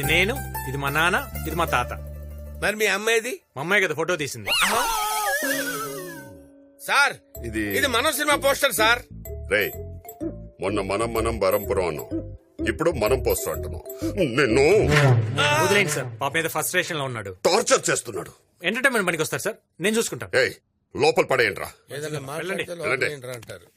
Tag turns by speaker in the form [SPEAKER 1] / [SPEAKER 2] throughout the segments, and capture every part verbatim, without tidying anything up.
[SPEAKER 1] నేను, ఇది మా నాన్న, ఇది మా తాత.
[SPEAKER 2] మరి మీ అమ్మాయిది?
[SPEAKER 1] మా అమ్మాయి కదా ఫోటో తీసింది.
[SPEAKER 2] సార్
[SPEAKER 3] ఇది
[SPEAKER 2] ఇది మనం సినిమా పోస్టర్ సార్.
[SPEAKER 3] రే మొన్న మనం మనం బరంపురం అన్నాం, ఇప్పుడు మనం పోస్టర్ అంటున్నాం. నిన్ను
[SPEAKER 1] వదిలేండి సార్, పాప మీద ఫస్ట్ స్టేషన్ లో ఉన్నాడు.
[SPEAKER 3] టార్చర్ చేస్తున్నాడు.
[SPEAKER 1] ఎంటర్టైన్మెంట్ పనికి వస్తారు సార్, నేను చూసుకుంటాను.
[SPEAKER 3] ఏయ్ లోపల పడేయండిరా.
[SPEAKER 2] ఏదైనా మాట్లాడితే
[SPEAKER 3] వెళ్ళండి.
[SPEAKER 2] లోపల అంటారు.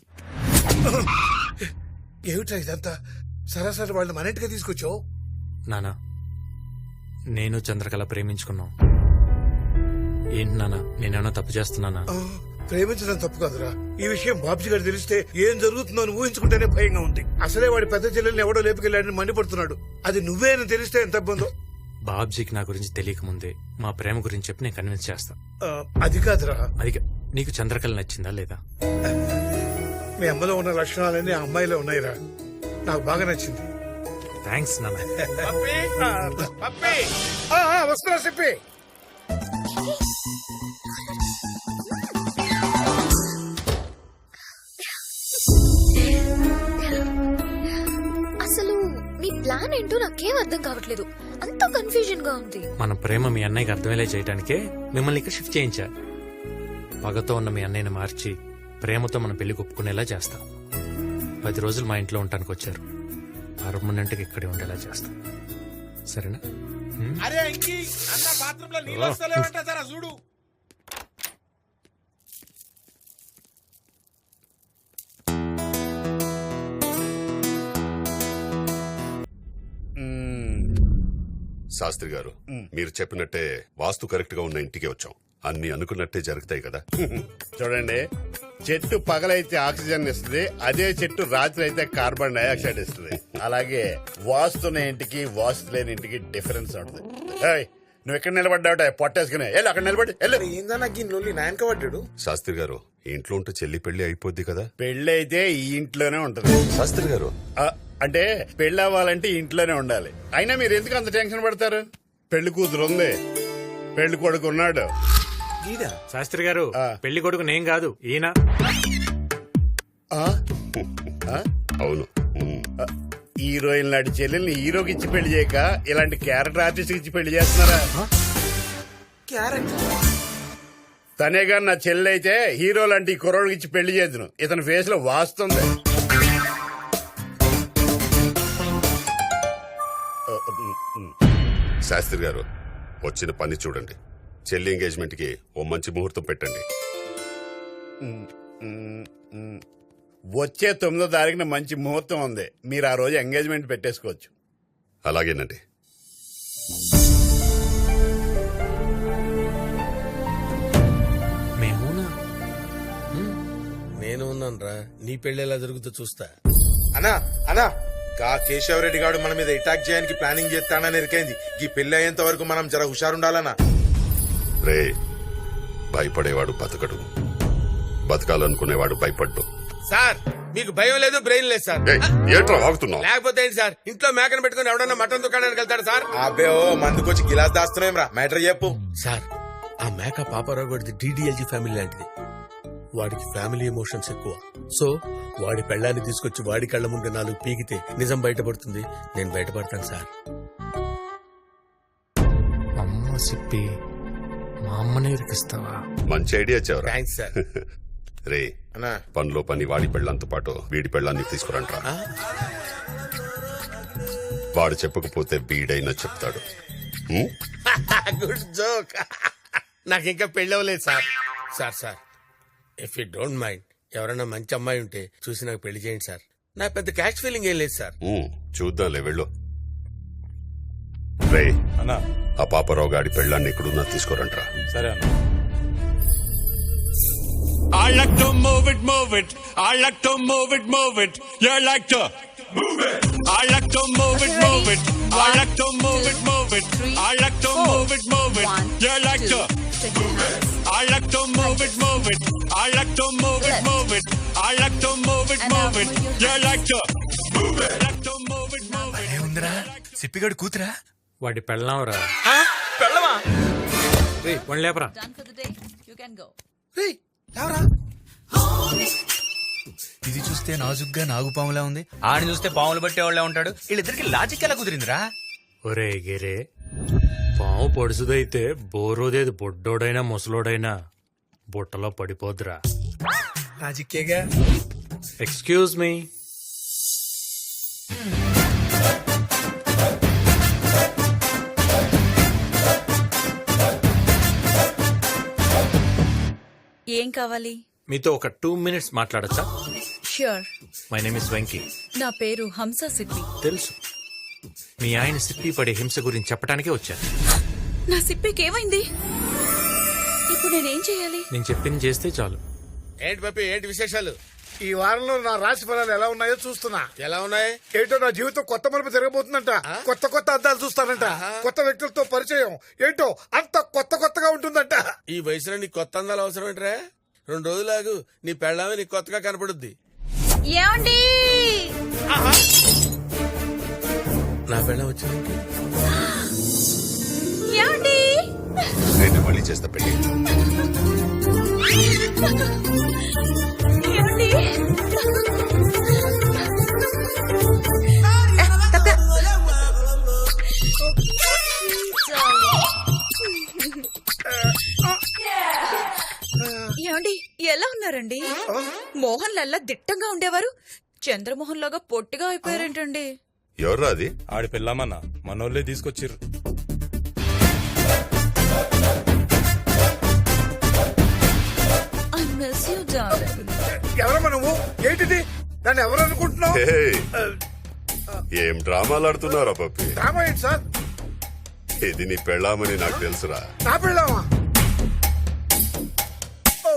[SPEAKER 4] ఏమిట్రా ఇదంతా? సరాసరి వాళ్ళు మన ఇంటికి తీసుకొచ్చావు.
[SPEAKER 1] నానా, నేను చంద్రకళ ప్రేమించుకున్నాం. ఏంటి నానా, నేనేమన్నా తప్పు చేస్తున్నానా?
[SPEAKER 4] ఆ, ప్రేమించడం తప్పు కాదురా. ఈ విషయం బాబ్జీ గారు తెలిస్తే ఏం జరుగుతుందో అని ఊహించుకుంటేనే భయంగా ఉంది. అసలే వాడి పెద్ద చెల్లెల్ని ఎవడో లేపుకెళ్ళాడని మండిపడుతున్నాడు. అది నువ్వే అని తెలిస్తే ఎంత ఇబ్బందో.
[SPEAKER 1] బాబ్జీకి నా గురించి తెలియక ముందే మా ప్రేమ గురించి చెప్పి నేను కన్విన్స్ చేస్తా.
[SPEAKER 4] ఆ, అది కాదురా.
[SPEAKER 1] అది కా- నీకు చంద్రకళ నచ్చిందా లేదా?
[SPEAKER 4] మీ అమ్మలో ఉన్న లక్షణాలన్నీ ఆ అమ్మాయిలో ఉన్నాయిరా. నాకు బాగా నచ్చింది.
[SPEAKER 1] థ్యాంక్స్ నాన్న.
[SPEAKER 2] పప్పి, పప్పి.
[SPEAKER 4] ఆ, ఆ, వస్తున్నా చెప్పి.
[SPEAKER 5] అసలు నీ ప్లాన్ ఏంటో నాకేం అర్థం కావట్లేదు. అంత కన్ఫ్యూజన్ గా ఉంది.
[SPEAKER 1] మన ప్రేమ మీ అన్నయ్యకి అర్థమయ్యే చేయడానికే మిమ్మల్ని ఇక్కడ షిఫ్ట్ చేయించా. పగతో ఉన్న మీ అన్నయ్యని మార్చి ప్రేమతో మన పెళ్లి ఒప్పుకునేలా చేస్తాం. పది రోజులు మా ఇంట్లో ఉండటానికి వచ్చారు. పర్మనెంట్గా ఇక్కడే ఉండేలా చేస్తాం. సరేనా?
[SPEAKER 2] అరే ఇంకి అన్న బాత్రూమ్ లో నీళ్ళు వస్తలేవంట సార్, చూడు.
[SPEAKER 3] శాస్త్రి గారు, మీరు చెప్పినట్టే వాస్తు కరెక్ట్ గా ఉన్న ఇంటికి వచ్చాం. అన్ని అనుకున్నట్టే జరుగుతాయి కదా.
[SPEAKER 6] చూడండి, చెట్టు పగలైతే ఆక్సిజన్ ఇస్తుంది, అదే చెట్టు రాత్రి అయితే కార్బన్ డైఆక్సైడ్ ఇస్తుంది. అలాగే వాస్తున్న ఇంటికి వాస్తు లేని ఇంటికి డిఫరెన్స్ ఉంటుంది. ఏయ్, నువ్వు ఎక్కడ నిలబడ్డావుట పొట్టేసుకునే వెళ్ళు, అక్కడ నిలబడి వెళ్ళు.
[SPEAKER 2] ఏందన్నా గిన్నెలు నాయనక పడ్డాడు.
[SPEAKER 3] శాస్త్రి గారు, ఈ ఇంట్లో ఉంటే చెల్లి పెళ్లి అయిపోద్ది కదా.
[SPEAKER 6] పెళ్లి అయితే ఈ ఇంట్లోనే ఉంటది.
[SPEAKER 3] శాస్త్రి గారు,
[SPEAKER 6] ఆ, అంటే పెళ్లి అవ్వాలంటే ఇంట్లోనే ఉండాలి. అయినా మీరు ఎందుకు అంత టెన్షన్ పడతారు? పెళ్లి కూతురు ఉంది, పెళ్లి కొడుకు ఉన్నాడు.
[SPEAKER 1] శాస్త్రి గారు,
[SPEAKER 6] ఆ.
[SPEAKER 1] పెళ్లి కొడుకు నేను కాదు, ఈయన.
[SPEAKER 6] ఆ? ఆ?
[SPEAKER 3] అవును. ఉమ్.
[SPEAKER 6] హీరోయిన్ లాంటి చెల్లెల్ని హీరోకి ఇచ్చి పెళ్లి చేయక ఇలాంటి క్యారెక్టర్ ఆర్టిస్ట్ ఇచ్చి పెళ్లి చేస్తున్నారా? తనే గాని నా చెల్లె అయితే హీరో లాంటి కుర్రోడికి ఇచ్చి పెళ్లి చేద్దును. ఇతని ఫేస్ లో వాస్తుంది.
[SPEAKER 3] శాస్త్రి గారు, వచ్చిన పని చూడండి. చెల్లి ఎంగేజ్మెంట్ కి ఓ మంచి ముహూర్తం పెట్టండి.
[SPEAKER 6] వచ్చే తొమ్మిదో తారీఖున మంచి ముహూర్తం ఉంది. మీరు ఆ రోజు ఎంగేజ్మెంట్ పెట్టేసుకోవచ్చు.
[SPEAKER 3] అలాగేనండి.
[SPEAKER 1] మేమునా?
[SPEAKER 2] నేను ఉన్నాను రా, నీ పెళ్లి ఎలా జరుగుతుందో చూస్తా. అన్నా అన్నా గా కేశవరెడ్డి గారు మన మీద అటాక్ చేయడానికి ప్లానింగ్ చేస్తానని ఎరికైంది. ఈ పెళ్లి అయ్యేంత వరకు మనం జర హుషారుండాలన్నా.
[SPEAKER 3] రే, భయపడేవాడు బతకడు, బతకాలనుకునేవాడు భయపడ్డు.
[SPEAKER 2] సార్ మీకు భయం లేదు, బ్రెయిన్ లేదు సార్.
[SPEAKER 3] ఏయ్, ఏంట్రా వాగుతున్నావు?
[SPEAKER 2] లేకపోతే ఏంటి సార్, ఇంట్లో మేకను పెట్టుకుని ఎవడన్నా మటన్ దుకాణానికి వెళ్తాడు సార్? అబ్బే ఓ మందుకొచ్చి గిలాస్ దాస్తున్నాం రా. మ్యాటర్ చెప్పు సార్. ఆ మేక పాపారావు గడిది డీడీఎల్జీ ఫ్యామిలీ లాంటిది. వాడికి ఫ్యామిలీ ఎమోషన్స్ ఎక్కువ. సో వాడి పెళ్ళాన్ని తీసుకొచ్చి వాడి కళ్ళ ముందు నాలుగు పీకితే నిజం బయటపడుతుంది. నేను బయటపడతాను సార్.
[SPEAKER 1] అమ్మ సిప్పి, మా అమ్మనే ఇరికిస్తావా?
[SPEAKER 3] మంచి ఐడియా చెవరా.
[SPEAKER 2] Thanks sir.
[SPEAKER 3] రే,
[SPEAKER 2] అన్నా
[SPEAKER 3] పనిలో పని వాడి పెళ్ళంతో పాటు వీడి పెళ్ళాన్ని తీసుకురంట్రా. వాడు చెప్పకపోతే వీడైనా చెప్తాడు. ఉమ్?
[SPEAKER 2] Good joke. నాకు ఇంకా పెళ్ళి అవ్వలేదు sir. Sir sir if you don't mind, ఎవరైనా మంచి అమ్మాయి ఉంటే చూసి నాకు పెళ్లి చేయండి సార్. నా పెద్ద క్యాష్ ఫీలింగ్ ఏం లేదు సార్.
[SPEAKER 3] ఉమ్, చూద్దాంలే, వెళ్ళు. రే, ఆ పాపరావు గాడి పెళ్ళాన్ని ఎక్కడున్నా తీసుకురంట్రా.
[SPEAKER 1] సరే అన్న.
[SPEAKER 7] I like to move it, move it. I like to move it, move it. You like to move it. I like to move it, move it. I like to move it, move it. I like to move it, move it. You like to move it. I like to move it, move it. I like to move it, move it. I like to move it, move it. You like to move it. I like to move it, move it.
[SPEAKER 8] ఏముందిరా, సిప్పిగాడు కూతురా?
[SPEAKER 1] వాడి పెళ్ళాంరా.
[SPEAKER 2] పెళ్ళమా?
[SPEAKER 1] One లేపరా.
[SPEAKER 8] ఇది చూస్తే నాజుగ్గా నాగుపాములా ఉంది, ఆడిని చూస్తే పాములు బట్టే వాళ్ళ ఉంటాడు. వీళ్ళిద్దరికి లాజిక్ ఎలా కుదిరిందిరా?
[SPEAKER 1] ఒరే గిరే పాము పొడుసుదైతే బోరోదేది బొడ్డోడైనా ముసలోడైనా బుట్టలో పడిపోద్దురా.
[SPEAKER 8] రాజకీయగా
[SPEAKER 1] ఎక్స్క్యూజ్ మీ.
[SPEAKER 9] ఏం కావాలి?
[SPEAKER 1] మీతో ఒక టూ మినిట్స్ మాట్లాడచ్చా?
[SPEAKER 9] Sure.
[SPEAKER 1] My name is Venky.
[SPEAKER 9] నా పేరు హంస సిప్పి.
[SPEAKER 1] తెలుసు, మీ ఆయన సిప్పి పడే హింస గురించి చెప్పడానికే వచ్చాను.
[SPEAKER 9] నా సిప్పికి ఏమైంది? ఇప్పుడు నేనేం చేయాలి?
[SPEAKER 1] నేను చెప్పింది చేస్తే చాలు.
[SPEAKER 2] ఏంటి పప్పి, ఏంటి విశేషాలు?
[SPEAKER 4] ఈ వారంలో నా రాశి ఫలాలు ఎలా ఉన్నాయో చూస్తున్నా.
[SPEAKER 2] ఎలా ఉన్నాయి?
[SPEAKER 4] ఏంటో నా జీవితం కొత్త మలుపు తిరగబోతుందంట. కొత్త కొత్త అద్దాలు చూస్తానంట. కొత్త వ్యక్తులతో పరిచయం ఏంటో అంత కొత్త కొత్తగా ఉంటుందంట.
[SPEAKER 2] ఈ వయసులో నీకు కొత్త అందాలు అవసరం ఏంట్రా? రెండు రోజులాగు నీ పెళ్ళామే నీకు కొత్తగా కనపడుద్ది.
[SPEAKER 9] ఏమండి?
[SPEAKER 2] నా పెళ్ళం వచ్చింది.
[SPEAKER 9] ఏమండి?
[SPEAKER 3] నేను మళ్ళీ చేస్తా పెళ్లి.
[SPEAKER 9] ఏమండి? ఏమండి ఎలా ఉన్నారండి? మోహన్ లల్లా దిట్టంగా ఉండేవారు, చంద్రమోహన్ లాగా పొట్టిగా అయిపోయారేంటండి?
[SPEAKER 3] ఎవర్రా అది?
[SPEAKER 8] ఆడి పిల్లమన్నా మనోళ్ళే తీసుకొచ్చిర్రు.
[SPEAKER 9] I miss you darling.
[SPEAKER 4] ఎవరమ్మా నువ్వు? ఏంటిది? దాన్ని ఎవరు అనుకుంటున్నావు?
[SPEAKER 3] హే, ఏం డ్రామాలు ఆడుతున్నారా పప్పి?
[SPEAKER 4] డ్రామా ఏంటి సార్?
[SPEAKER 3] ఇది నీ పెళ్ళామని నాకు తెలుసురా.
[SPEAKER 4] నా పెళ్ళామా? ఓ.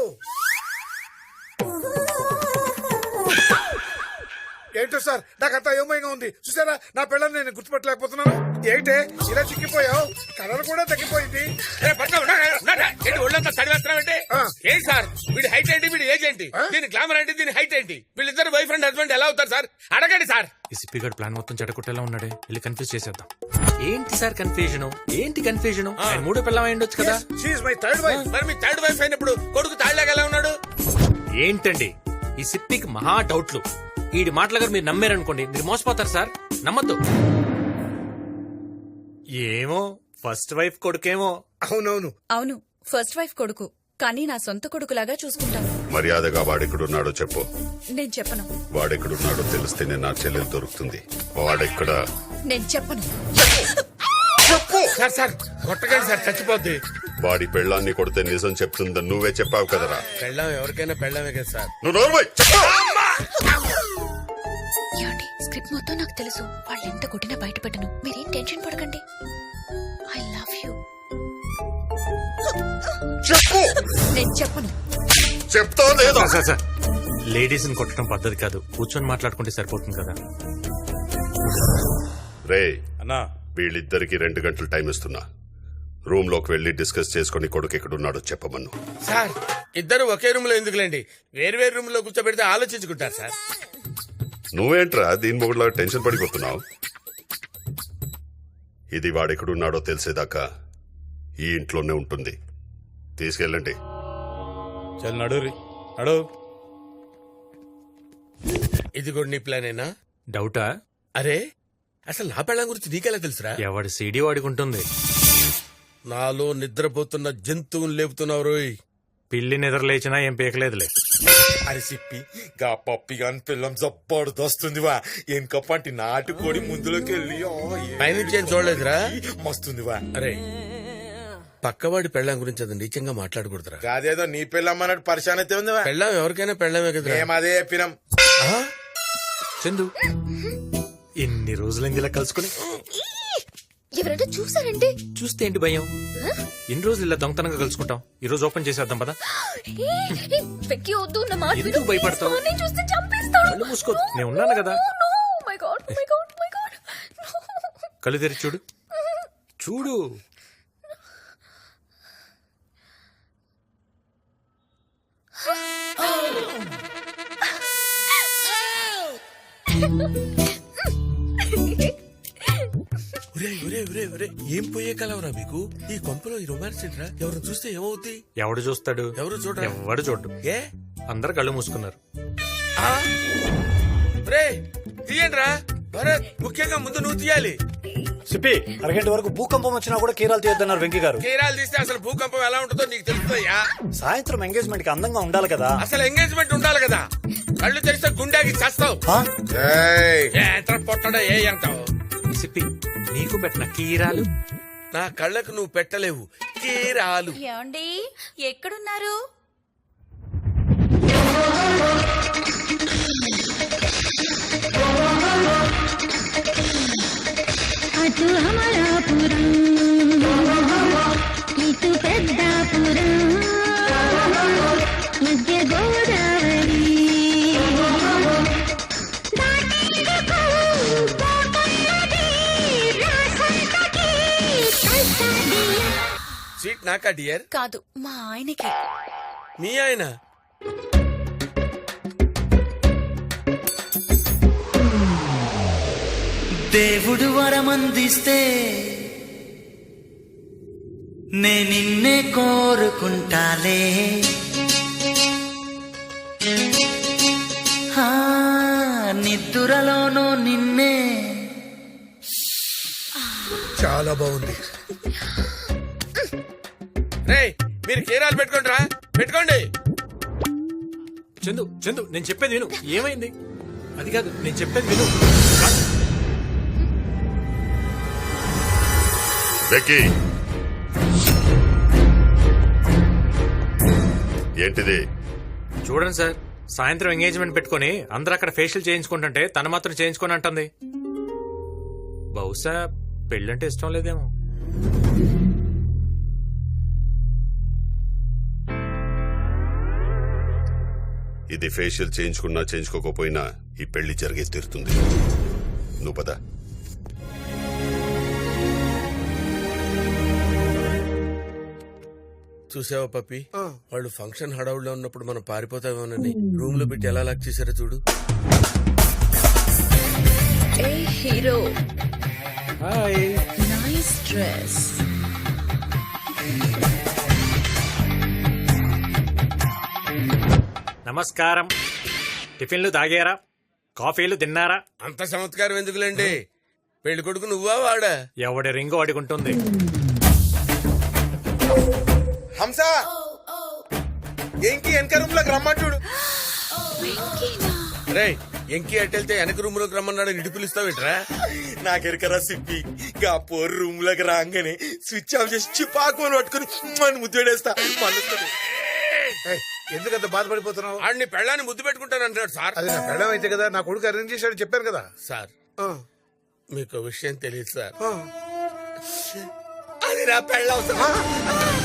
[SPEAKER 4] ఏంటో సార్, నాకంతా అయోమయంగా ఉంది. చూసారా, నా పిల్లల్ని నేను గుర్తుపట్టలేకపోతున్నాను. ఏంటే ఇలా చిక్కిపోయావు? కలర్ కూడా తగ్గిపోయింది.
[SPEAKER 2] ఒళ్ళంతా చదివేస్తున్నావంటే
[SPEAKER 4] ఆ.
[SPEAKER 2] ఏంటి సార్? వీడి హైట్ ఏంటి, వీడి ఏజ్ ఏంటి, దీని గ్లామర్ ఏంటి, దీని హైట్ ఏంటి? వీళ్ళిద్దరు వైఫ్ అండ్ హస్బెండ్ ఎలా అవుతారు సార్? అడగండి సార్.
[SPEAKER 1] ఈ సిప్పిగాడు ప్లాన్ మొత్తం చెడగొట్టేలా ఉన్నాడే, వెళ్ళి కన్ఫ్యూజ్ చేసేద్దాం. ఏంటి సార్ కన్ఫ్యూజన్? ఏంటి కన్ఫ్యూజన్? ఆయన మూడో పిల్లం అయి ఉండొచ్చు కదా.
[SPEAKER 4] She my third wife.
[SPEAKER 2] మరి మీ థర్డ్ వైఫ్ అయినప్పుడు కొడుకు తాళ్ళగా ఎలా ఉన్నాడు?
[SPEAKER 1] ఏంటండి ఈ సిప్పికి మహా డౌట్లు. ఈడి మాటల గారు మీరు నమ్మారనుకోండి, మీరు మోసపోతారు సార్. నమ్మద్దు. ఏమో ఫస్ట్ వైఫ్ కొడుకేమో.
[SPEAKER 4] అవునవును.
[SPEAKER 9] అవును, ఫస్ట్ వైఫ్ కొడుకు, కానీ నా సొంత కొడుకులాగా చూసుకుంటాను.
[SPEAKER 3] మర్యాదగా వాడెక్కడున్నాడో చెప్పు.
[SPEAKER 9] నేను చెప్పను.
[SPEAKER 3] వాడెక్కడున్నాడో తెలిస్తేనే నా చెల్లెలు దొరుకుతుంది. వాడెక్కడ?
[SPEAKER 9] నేను చెప్పను.
[SPEAKER 2] సార్ సార్ కొట్టకండి సార్, చచ్చిపోద్ది.
[SPEAKER 3] వాడి పెళ్ళాన్ని కొడితే నిజం చెప్తుందని నువ్వే చెప్పావు కదరా.
[SPEAKER 2] పెళ్ళాం ఎవరికైనా పెళ్ళామే కదా సార్.
[SPEAKER 3] నువ్వు నోర్మై చెప్పు.
[SPEAKER 5] ఏమండి, స్క్రిప్ట్ మొత్తం నాకు తెలుసు. వాళ్ళు ఎంత కొట్టినా బయట పెట్టను. మీరేం టెన్షన్ పడకండి. I love you.
[SPEAKER 3] చెప్పు.
[SPEAKER 9] నేను చెప్పను.
[SPEAKER 3] చెప్తా లేదా?
[SPEAKER 1] సార్ సార్ లేడీస్ ని కొట్టడం పద్ధతి కాదు, కూర్చొని మాట్లాడుకుంటే సరిపోతుంది కదా.
[SPEAKER 3] రే,
[SPEAKER 8] అన్నా
[SPEAKER 3] వీళ్ళిద్దరికి రెండు గంటలు టైం ఇస్తున్నా. రూమ్ లోకి వెళ్లి డిస్కస్ చేసుకుని కొడుకు ఎక్కడున్నాడో చెప్పమను.
[SPEAKER 2] సార్ ఇద్దరు ఒకే రూమ్ లో ఎందుకులేండి, వేరు వేరు రూమ్ లో కూర్చోబెడితే ఆలోచించుకుంటారు సార్.
[SPEAKER 3] నువ్వేంట్రా దీని మొగుడులా టెన్షన్ పడిపోతున్నావు? ఇది వాడెక్కడున్నాడో తెలిసేదాకా ఈ ఇంట్లోనే ఉంటుంది. తీసుకెళ్ళండి.
[SPEAKER 8] చల్ నడు రీ నడు.
[SPEAKER 2] ఇది కూడా నీ ప్లానేనా?
[SPEAKER 1] డౌటా?
[SPEAKER 2] అరే అసలు నా పెళ్ళం గురించి నీకెలా తెలుసురా?
[SPEAKER 1] ఎవడి సీడీ వాడికి ఉంటుంది.
[SPEAKER 2] నాలో నిద్రపోతున్న జంతువుని లేపుతున్నావు రోయ్.
[SPEAKER 1] పిల్లి నిద్ర లేచినా ఏం పీకలేదులే.
[SPEAKER 10] అని చెప్పి గా పప్పి గాని పిల్లం జబ్బడుదొస్తుందివా. ఎనకప్పంటి నాటుకోడి ముందులోకి వెళ్ళి
[SPEAKER 2] పైనుంచి ఏం చూడలేదురా?
[SPEAKER 10] మస్తుందివా.
[SPEAKER 2] అరే పక్కవాడి పెళ్ళం గురించి అది నీచంగా మాట్లాడకూడదురా.
[SPEAKER 10] అదేదో నీ పిల్లమ్మన్నట్టు పరిశాన్ అయితే ఉందివా.
[SPEAKER 2] పెళ్ళం ఎవరికైనా పెళ్ళమే కదా.
[SPEAKER 10] మేమదే పినం.
[SPEAKER 1] చందు ఎన్ని రోజులైంది ఇలా కలుసుకుని.
[SPEAKER 5] ఎవరైనా చూసారంటే
[SPEAKER 1] చూస్తే ఏంటి భయం? ఎన్ని రోజులు ఇలా దొంగతనంగా కలుసుకుంటాం. ఈ రోజు ఓపెన్ చేసేద్దాం పదా.
[SPEAKER 5] వెక్కి వద్దు నా మాట విను.
[SPEAKER 1] ఎందుకు భయపడతావు?
[SPEAKER 5] నేను చూస్తే చంపేస్తాడు.
[SPEAKER 1] కళ్ళు మూసుకో, నేను ఉన్నాను కదా.
[SPEAKER 5] My God my God my God.
[SPEAKER 1] కళ్ళు తెరిచి చూడు చూడు.
[SPEAKER 2] ఏం పోయే కలవరా మీకు? ఈ కొంపలో ఈ రొమాన్స్ ఏంట్రా? ఎవరు చూస్తే ఏమవుద్ది?
[SPEAKER 1] ఎవడు చూస్తాడు?
[SPEAKER 2] ఎవరు చూడరా?
[SPEAKER 1] ఎవడు చూడు.
[SPEAKER 2] ఏ
[SPEAKER 1] అందరు కళ్ళు మూసుకున్నారు.
[SPEAKER 2] తీయండి రా భరత్, ముఖ్యంగా ముందు నువ్వు తీయాలి.
[SPEAKER 8] సిప్పి అరగంట వరకు భూకంపం వచ్చినా కూడా కీరాలు తీయొద్దన్నారు వెంకీ గారు.
[SPEAKER 2] కీరాలు తీస్తే అసలు భూకంపం ఎలా ఉంటుందో నీకు తెలుస్తుందయ్యా.
[SPEAKER 8] సాయంత్రం ఎంగేజ్మెంట్ కి అందంగా ఉండాలి కదా.
[SPEAKER 2] అసలు ఎంగేజ్మెంట్ ఉండాలి కదా. కళ్ళు తెరిస్తే గుండెకి చేస్తావు.
[SPEAKER 8] ఆ?
[SPEAKER 2] ఎంత పొట్టడా ఏ అంటావు.
[SPEAKER 1] సిప్పి నీకు పెట్టిన కీరాలు
[SPEAKER 2] నా కళ్ళకు నువ్వు పెట్టలేవు కీరాలు.
[SPEAKER 9] ఏమండి ఎక్కడున్నారు?
[SPEAKER 5] అటు అమలాపురం ఇటు పెద్దాపురం మధ్య గోదావరి
[SPEAKER 2] సీట్ నాకా డియర్?
[SPEAKER 9] కాదు మా ఆయనకి.
[SPEAKER 2] మీ ఆయన?
[SPEAKER 11] దేవుడు వరమందిస్తే నే నిన్నే కోరుకుంటాలే. హా, నిద్దురలోనూ నిన్నే.
[SPEAKER 4] చాలా బాగుంది.
[SPEAKER 2] రేయ్ మీరు కీరాలు పెట్టుకోండి రా, పెట్టుకోండి.
[SPEAKER 1] చందు చందు నేను చెప్పేది విను. ఏమైంది? అది కాదు నేను చెప్పేది విను.
[SPEAKER 3] వెక్కి ఏంటిది?
[SPEAKER 1] చూడండి సార్, సాయంత్రం ఎంగేజ్మెంట్ పెట్టుకుని అందరూ అక్కడ ఫేషియల్ చేయించుకుంటుంటే తను మాత్రం చేయించుకొని అంటుంది. బహుశా పెళ్ళంటే ఇష్టం లేదేమో.
[SPEAKER 3] ఇది ఫేషియల్ చేయించుకున్నా చేయించుకోకపోయినా ఈ పెళ్లి జరిగే తీరుతుంది. నువ్వు పద.
[SPEAKER 2] చూసావా పప్పి, వాళ్ళు ఫంక్షన్ హడావుల్లో ఉన్నప్పుడు మనం పారిపోతామేమోనని రూమ్ లో పెట్టి ఎలా లాక్ చేశారో చూడు.
[SPEAKER 9] ఏ హీరో,
[SPEAKER 1] హాయ్.
[SPEAKER 9] Nice dress.
[SPEAKER 1] నమస్కారం. టిఫిన్లు తాగారా? కాఫీలు తిన్నారా?
[SPEAKER 2] అంత చమత్కారం ఎందుకులేండి. పెళ్లి కొడుకు నువ్వా వాడా?
[SPEAKER 1] ఎవడి రింగు అడుగుంటుంది.
[SPEAKER 2] హంస ఎంకి వెనక రూమ్ లోకి రమ్మని చూడు. రే ఎంకి అట్టెళ్తే వెనక రూమ్ లోకి రమ్మన్నాడు, ఇటు పిలుస్తావేట్రా? నాకెరకరా సిప్పి, గా పోరు రూమ్ లోకి రాగానే స్విచ్ ఆఫ్ చేసి చిపాకుని పట్టుకుని మన ముద్దుడేస్తా.
[SPEAKER 4] ఎందుకంత బాధపడిపోతున్నావు?
[SPEAKER 2] ఆడిని పెళ్ళాన్ని ముద్దు పెట్టుకుంటాను అంటున్నాడు సార్.
[SPEAKER 4] అది నా పెళ్ళం అయితే కదా, నా కొడుకు అరేంజ్ చేశాడు చెప్పాను కదా
[SPEAKER 2] సార్.
[SPEAKER 4] ఆ,
[SPEAKER 2] మీకు విషయం తెలియదు సార్,
[SPEAKER 4] ఆ.
[SPEAKER 2] అది నా పెళ్ళ అవసరం.